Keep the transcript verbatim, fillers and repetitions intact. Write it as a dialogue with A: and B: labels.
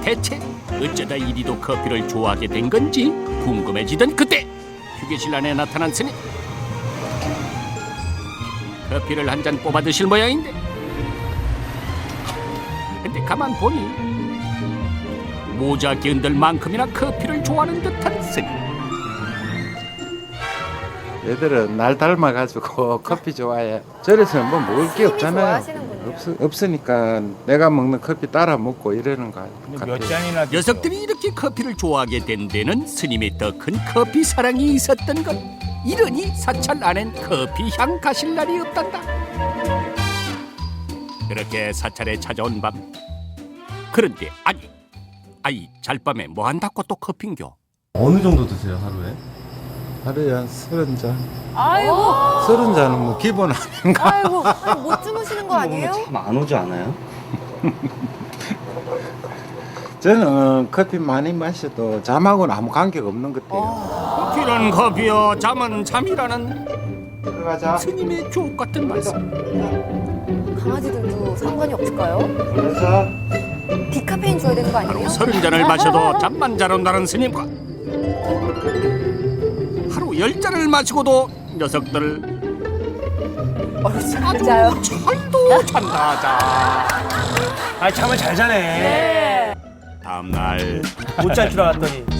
A: 대체 어쩌다 이리도 커피를 좋아하게 된 건지 궁금해지던 그때 휴게실 안에 나타난 스님. 커피를 한 잔 뽑아 드실 모양인데, 근데 가만 보니 모자 끼얹을 만큼이나 커피를 좋아하는 듯한 스님.
B: 얘들은 날 닮아가지고 커피 좋아해. 저래서는 뭐 먹을 게 없잖아요. 없, 없으니까 내가 먹는 커피 따라 먹고 이러는 거
C: 몇 잔이나 드세요?
A: 녀석들이 이렇게 커피를 좋아하게 된 데는 스님의 더 큰 커피 사랑이 있었던 것. 이러니 사찰 안엔 커피 향 가실 날이 없단다. 그렇게 사찰에 찾아온 밤, 그런데 아니 아이 잘밤에 뭐 한다고 또 커피인겨?
D: 어느 정도 드세요 하루에?
B: 하루에 한 서른 잔.
E: 아이고,
B: 서른 잔은 뭐 기본 아닌가?
E: 아이고, 아니, 못 주무시는 거 아니에요?
D: 참 안 오지 않아요?
B: 저는 커피 많이 마셔도 잠하고는 아무 관계가 없는 것 같아요.
A: 커피는 커피요, 잠은 잠이라는
B: 들어가자.
A: 스님의 주옥 같은 말씀.
E: 강아지들도 상관이 없을까요?
B: 들어가자.
E: 디카페인 줘야 되는 거 아니에요?
A: 하루 서른 잔을 마셔도 잠만 잘 온다는 스님과 하루 열 잔을 마시고도 녀석들
E: 맞아요.
A: 잘도 잔다 자.
C: 아 잠을 잘 자네.
E: 네.
A: 다음날
C: 못 잘 줄 알았더니